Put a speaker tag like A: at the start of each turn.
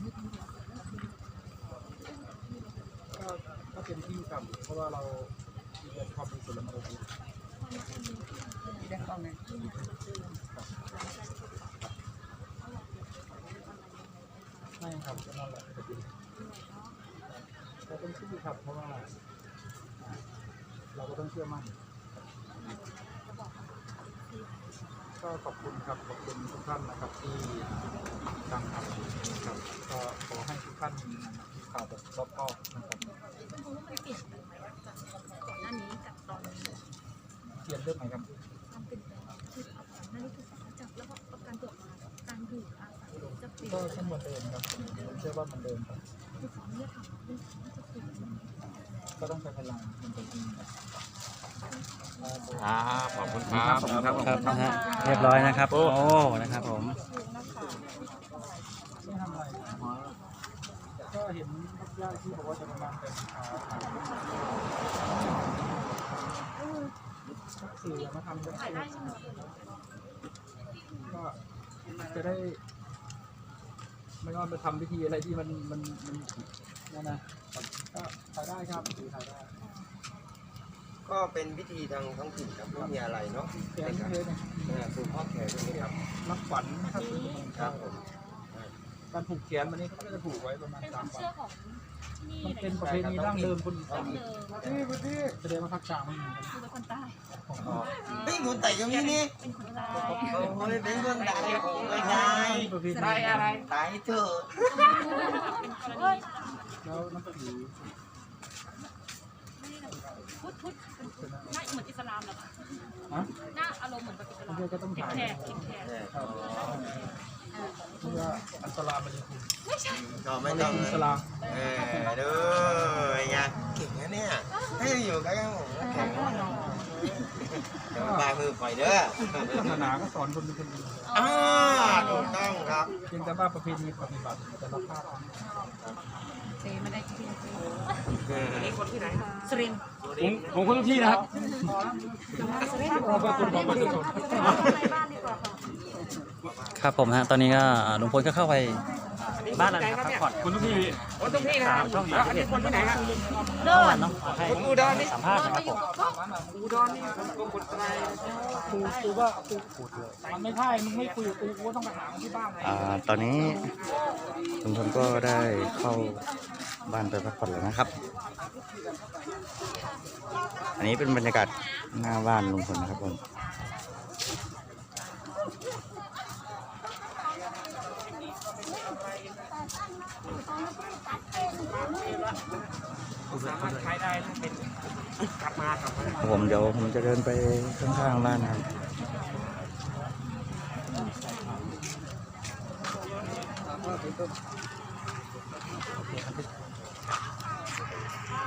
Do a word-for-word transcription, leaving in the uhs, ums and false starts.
A: ก็ก็เป็นที่ครับเพราะว่าเราเรียนความเป็นส่วนละเอียดที่ได้ต้องไงไม่ครับก็นั่นแหละเราต้องสู้ครับเพราะว่าเราก็ต้องเชื่อมั่นก็ขอบคุณครับขอบคุณทุกท่านนะครับที่ตั้งทำครับก็ขอให้ทุกท่านมีข่าวแบบรอบคอบนะครับ
B: คุณครูว่ามันเปลี่ยนไปไหมจากก่อนหน้านี้กับตอนนี้
A: เปลี่ยนเรื่องไหนครับ
B: ความเปลี่ยนแปลงคือก่อนหน้านี้คือจับแล้วก็การตรวจมาการอยู่อาศัยจะเปลี่ยน
A: ก็เหมือนเดิมครับผมเชื่อว่ามันเดิมครับ
B: คือขอเนี่ยถามว่าจะเปลี่ยน
A: ก็ต้องใช้พลังมันเป็นจริงครับ
C: ขอบคุณครับขอบคุณครับ
D: ครับนะฮะเรียบร้อยนะครับโอ้นะครับผม
A: ไม่ทำอะไรก็เห็นญาติที่บอกว่าจะมาเป็นสื่อมาทำด้วยก็จะได้ไม่ว่าไปทำพิธีอะไรที่มันมันมันนั่นนะก็ถ่ายได้ครับถ่ายได้
C: ก็เป็นพิธีทางท้องถิ่นครับไม่มีอะไรเนาะ
A: แขนเลย
C: เนี่ยผูกข้อแขนตรงนี้ครับ
A: รับขวัญนะครับ
C: ครับผม
A: การผูกแขนวันนี้เขาจะผูกไว้ประมาณสามวันมันเป็นประเพณีดั้งเดิมคนอีสานที่พื้นที่แสดงว่าภาคกลางไม่มี
B: คือเป็นคนใต้
C: เป็นคนใต้ก็มีนี่
B: เป็นคนใต้
C: โอ้ยเป็นคนใต้ไม่ใช่ใต้อะไรใต้เถอะ
A: แล้วนับถือ
B: พุทธพุทธหน้าเหมือนอิสลามเหรอคะหน้าอารมณ์เหมือนแบบอิสลาม
A: ก็ต้องถ่าย
B: แขกแขก
A: เพื่ออัสลามมันจะถูก
B: ไม่ใช่
C: ก็ไม่ต้อง
A: อิสลาม
C: เออดูไงเก่งนะเนี่ยให้อยู่ใกล้กันผมแข็งเดี๋ยวปลายมือปล่อยเด้อ
A: ศาสนาก็สอนคนเป็นคนดี
C: อ่าถูกต้องครับ
A: เพียงแต่ว่าประเพณีปฏิบัติแต่ละภาค
B: เซไม่ได้ที่
C: นี่คนที่ไหน
B: สุรินทร์
D: ผมผมคนทุกที่นะครับ
A: เราเป็นคนของประชาชน
D: ครับผมฮะตอนนี้ก็ลุงพลก็เข้าไปบ้านแล้วนะครับพักผ่อน
A: คนทุกที่
C: คนทุกที่นะครับอันนี้คนที่ไหนครับ
D: เมื่อวานเนาะให้สัมภาษณ์นะครับผม
C: อุดรนี่ก็คนไทย
A: กูกูว่ากูพูดเลยมันไม่ใช่มึงไม่คุยกับกูกูก็ต้องไปหาที่บ้าน
D: อ่าตอนนี้ลุงพลก็ได้เข้าบ้านไปพักผ่อนแล้วนะครับอันนี้เป็นบรรยากาศหน้าบ้านลุงพลนะครับผม
C: สามารถใช้ได้เป็นกลับมากลับมา
D: ผมเดี๋ยวผมจะเดินไปข้างๆบ้านนะครับ